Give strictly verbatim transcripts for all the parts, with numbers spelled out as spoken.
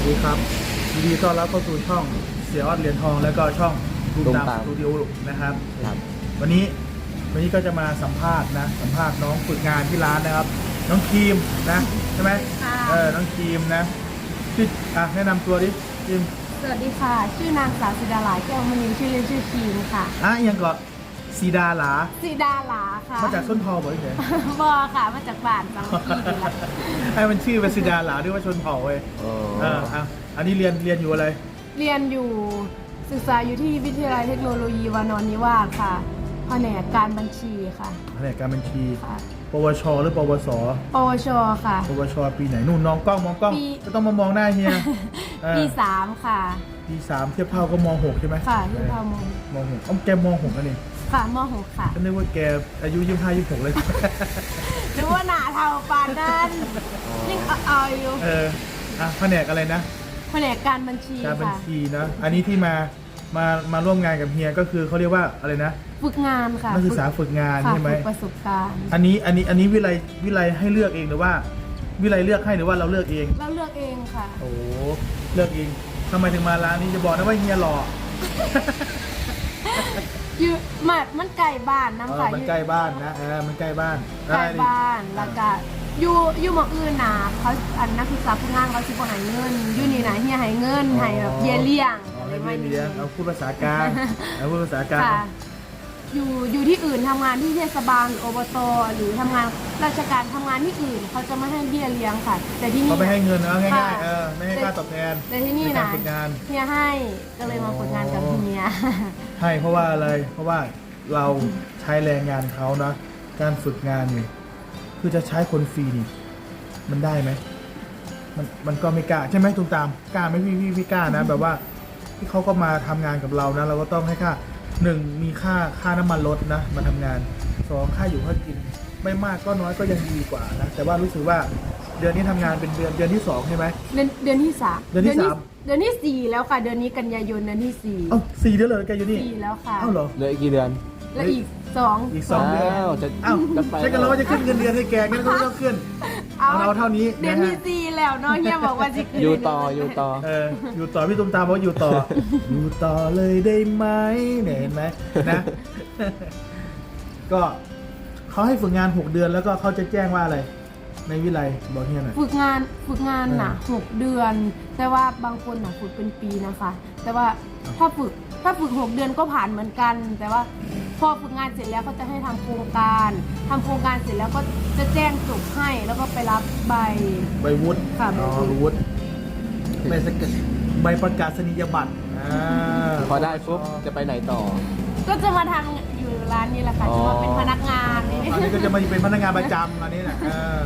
ดีครับยินดีต้อนรับเข้าสู่ช่องเสียออดเหรียญทองแล้วก็ช่องตูมตามสตูดิโอนะครับวันนี้วันนี้ก็จะมาสัมภาษณ์นะสัมภาษณ์น้องฝึกงานที่ร้านนะครับน้องครีมนะใช่ไหมเออน้องครีมนะชื่ออ่ะแนะนำตัวดิครีมสวัสดีค่ะชื่อนางสาวสิดาหลาแก้วมณีชื่อเล่นชื่อครีมค่ะอ่ะยังก่อนสีดาหลาสีดาหลาค่ะมาจากส้นทองบ่อยเลยบอค่ะมาจากบ้านบางพีนี่แหละให้มันชื่อเป็นสีดาหลาด้วยว่าชนเผ่าเว้ยเอออ่ะอันนี้เรียนเรียนอยู่อะไรเรียนอยู่ศึกษาอยู่ที่วิทยาลัยเทคโนโลยีวานอนนิวาสค่ะแผนกการบัญชีค่ะแผนกการบัญชีปวชหรือปวสปวชค่ะปวชปีไหนนู่นน้องกล้องมองกล้องก็ต้องมามองหน้าเฮียปีสามค่ะปีสามเทียบเท่าก็มหกใช่ไหมค่ะเทียบเท่ามมหกอ้อมแกมหกกันนี่ค่ะมหกค่ะก็นึกว่าแกอายุยี่สิบห้ายี่สิบหกเลยนึกว่าหนาเท่าปานนั้นยิ่งเอาอยู่เอออ่ะแผนกอะไรนะแผนกการบัญชีการบัญชีนะอันนี้ที่มามามาร่วมงานกับเฮียก็คือเขาเรียกว่าอะไรนะฝึกงานค่ะนักศึกษาฝึกงานใช่ไหมประสบการณ์อันนี้อันนี้อันนี้วิไลวิไลให้เลือกเองหรือว่าวิไลเลือกให้หรือว่าเราเลือกเองเราเลือกเองค่ะโอ้เลือกเองทำไมถึงมาร้านนี้จะบอกนะว่าเฮียหล่ออยู่มันมันใกล้บ้านน้ำค่ะมันใกล้บ้านนะเออมันใกล้บ้านใกล้บ้านแล้วก็อยู่อยู่หมองอื่นนะเขาอันนักศึกษาผู้งานเขาสิบหายเงินอยู่นี่นะเฮียให้เงินให้แบบเยี่ยเลี้ยงอะไรไม่เลี้ยงเอาพูดภาษากลางเอาพูดภาษากลางอยู่อยู่ที่อื่นทำงานที่เทศบาลหรืออบตหรือทำงานราชการทำงานที่อื่นเขาจะไม่ให้เบี้ยเลี้ยงค่ะแต่ที่นี่เขาไม่ให้เงินนะง่ายๆเออไม่ให้ค่าตอบแทนแต่ที่นี่นะเฮียให้ก็เลยมาฝึกงานกับเฮียให้เพราะว่าอะไรเพราะว่าเราใช้แรงงานเขานะการฝึกงานนี่คือจะใช้คนฟรีนี่มันได้ไหมมันมันก็ไม่กล้าใช่ไหมตุ้มตามกล้าไหมพี่พี่พี่กล้านะแบบว่าที่เขาก็มาทำงานกับเรานะเราก็ต้องให้ค่าหนึ่งมีค่าค่าน้ำมันรถนะมาทำงานสองค่าอยู่ค่ากินไม่มากก็น้อยก็ยังดีกว่านะแต่ว่ารู้สึกว่าเดือนนี้ทำงานเป็นเดือนเดือนที่สองใช่ไหมเดือนเดือนที่สามเดือนที่สามเดือนที่สี่แล้วค่ะเดือนนี้กันยายนเดือนที่สี่เอ้าสี่เดือนเลยแกอยู่นี่สี่แล้วค่ะเอ้าเหรอเหลืออีกกี่เดือนแล้วอีกสองอีกสองเดือนจะเอ้าใช่กันแล้วว่าจะขึ้นเงินเดือนให้แกงั้นก็ไม่ต้องขึ้นเอาเราเท่านี้เดือนที่สี่แล้วเนาะเฮียบอกว่าจะอยู่ต่ออยู่ต่อเอออยู่ต่อพี่ตุ้มตามบอกอยู่ต่ออยู่ต่อเลยได้ไหมเนี่ยเห็นไหมนะก็เขาให้ฝึกงานหกเดือนแล้วก็เขาจะแจ้งว่าอะไรในวิไลบอกเฮียหน่อยฝึกงานฝึกงานน่ะหกเดือนแต่ว่าบางคนน่ะฝึกเป็นปีนะคะแต่ว่าถ้าฝึกถ้าฝึกหกเดือนก็ผ่านเหมือนกันแต่ว่าพอฝึกงานเสร็จแล้วเขาจะให้ทำโครงการทำโครงการเสร็จแล้วก็จะแจ้งจบให้แล้วก็ไปรับใบใบวุฒิค่ะอ๋อวุฒิใบสกัดใบประกาศนียบัตรพอได้ปุ๊บจะไปไหนต่อก็จะมาทำอยู่ร้านนี้แหละค่ะจะมาเป็นพนักงานนี่อันนี้ก็จะมาเป็นพนักงานประจำอันนี้แหละ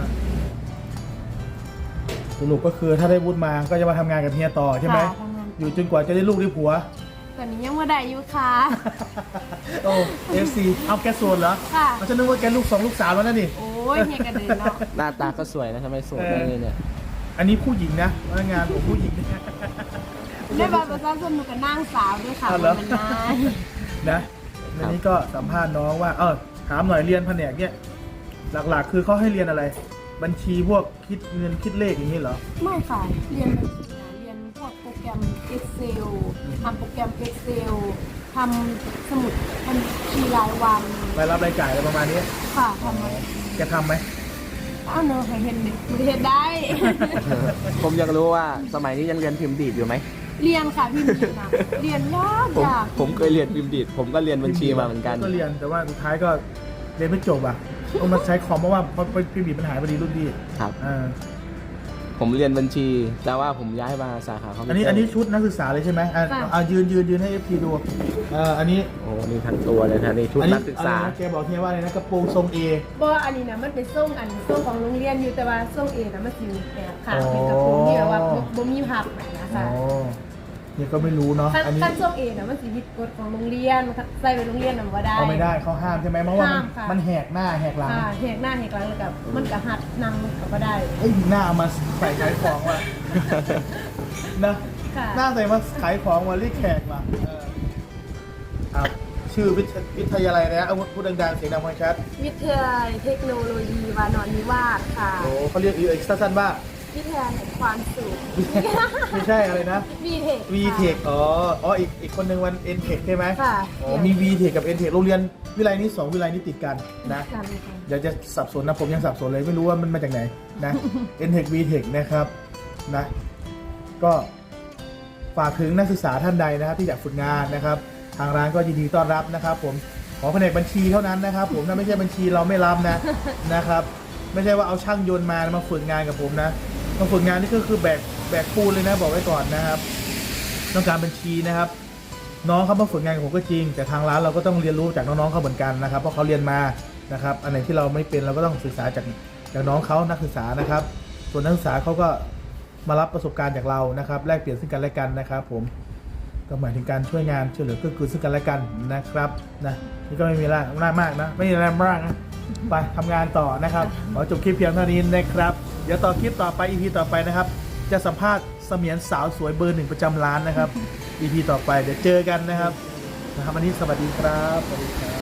สรุปก็คือถ้าได้วุฒิมาก็จะมาทำงานกับเฮียต่อใช่ไหมอยู่จนกว่าจะได้ลูกได้ผัวตอนนี้ยังไม่ได้อยู่ค่ะโอ้เอฟซีเอาแกโซนเหรอค่ะฉันนึกว่าแกลูกสองลูกสาวแล้วนั่นนี่โอ้ยเฮียกันเลยเนาะหน้าตาก็สวยนะทำไมโสดได้เลยเนี่ยอันนี้ผู้หญิงนะพนักงานของผู้หญิงได้บัตรประชาชนหนูกับนางสาวด้วยค่ะมันนายนะอันนี้ก็สัมภาษณ์น้องว่าเออถามหน่อยเรียนแผนกเนี่ยหลักๆคือเขาให้เรียนอะไร บัญชีพวกคิดเงินคิดเลขอย่างนี้เหรอไม่ค่ะเรียนบัญชีนะเรียนพวกโปรแกรม Excel ทำโปรแกรม Excel ทำสมุดบัญชีรายวันรายรับรายจ่ายอะไรประมาณนี้ค่ะทำไหมแกทำไหมอ้าวเนอะเห็นเด็กเห็นได้ผมอยากรู้ว่าสมัยนี้ยังเรียนพิมพ์ดีดอยู่ไหมเรียนค่ะพิมพ์ดีดนะเรียนยากยากผมเคยเรียนพิมพ์ดีดผมก็เรียนบัญชีมาเหมือนกันก็เรียนแต่ว่าสุดท้ายก็เรียนไม่จบอ่ะต้องมาใช้คอมเพราะว่าพิมพ์ดีดปัญหาพอดีรุ่นพี่ครับผมเรียนบัญชีแต่ว่าผมย้ายมาสาขาคอมพิวเตอร์อันนี้อันนี้ชุดนักศึกษาเลยใช่ไหมอ่ายืนยืนยืนให้เอฟซีดูอ่าอันนี้โอ้นี่ทั้งตัวเลยนะนี่ชุดนักศึกษาแกบอกเฮียว่าอะไรนะกระโปรงทรงเอบ่อันนี้นะมันเป็นทรงอันทรงของโรงเรียนอยู่แต่ว่าทรงเอนะมันสีแบบค่ะเป็นกระโปรงที่แบบว่าบ่มีพับนะคะเนี่ยก็ไม่รู้เนาะอันนี้ขั้นทรงเอนะมันสีผิดกฎของโรงเรียนใส่ไปโรงเรียนน่ะบ่ได้เขาไม่ได้เขาห้ามใช่ไหมเพราะว่ามันแหกหน้าแหกหลังแหกหน้าแหกหลังแล้วกับมันกับหัดนั่งก็บ่ได้เอ้ยหน้ามาใส่ขายของว่ะนะหน้าใส่มาขายของมาเรียกแขกมาเออชื่อวิทยาลัยนะเอาพูดดังๆเสียงดังฟังชัดวิทยาลัยเทคโนโลยีวานอนนิวาสค่ะโอ้เขาเรียกอีกสั้นๆว่าวิทยาแห่งความสุขไม่ใช่อะไรนะวีเทค V-Tech อ๋ออ๋ออีกอีกคนหนึ่งวัน N-Tech ใช่ไหมค่ะอ๋อมี V-Tech กับ N-Tech โรงเรียนวิไลนี้สองวิไลนี้ติดกันนะกันค่ะเดี๋ยวจะสับสนนะผมยังสับสนเลยไม่รู้ว่ามันมาจากไหนนะ N-Tech V-Tech นะครับนะก็ฝากถึงนักศึกษาท่านใดนะครับที่อยากฝึกงานนะครับ ทางร้านก็ยินดีต้อนรับนะครับ ผมขอแผนกบัญชีเท่านั้นนะครับ ผมถ้าไม่ใช่บัญชีเราไม่รับนะนะครับ ไม่ใช่ว่าเอาช่างยนต์มามาฝึกงานกับผมนะมาฝึกงานนี่ก็คือแบกแบกปูนเลยนะบอกไว้ก่อนนะครับ ต้องการบัญชีนะครับ น้องเขามาฝึกงานกับผมก็จริง แต่ทางร้านเราก็ต้องเรียนรู้จากน้องๆเขาเหมือนกันนะครับ เพราะเขาเรียนมานะครับอันไหนที่เราไม่เป็นเราก็ต้องศึกษาจากจากน้องเขานักศึกษานะครับ ส่วนนักศึกษาเขาก็มารับประสบการณ์จากเรานะครับ แลกเปลี่ยนซึ่งกันและกันนะครับ ผมก็หมายถึงการช่วยงานช่วยเหลือเกื้อกูลซึ่งกันและกันนะครับนะนี่ก็ไม่มีอะไรมากนะไม่มีอะไรมากนะไปทำงานต่อนะครับขอจบคลิปเพียงเท่านี้นะครับ เดี๋ยวต่อคลิปต่อไป อี พี ต่อไปนะครับ จะสัมภาษณ์เสมียนสาวสวยเบอร์หนึ่งประจำร้านนะครับ อี พี ต่อไปเดี๋ยวเจอกันนะครับนะครับวันนี้สวัสดีครับสวัสดีครับ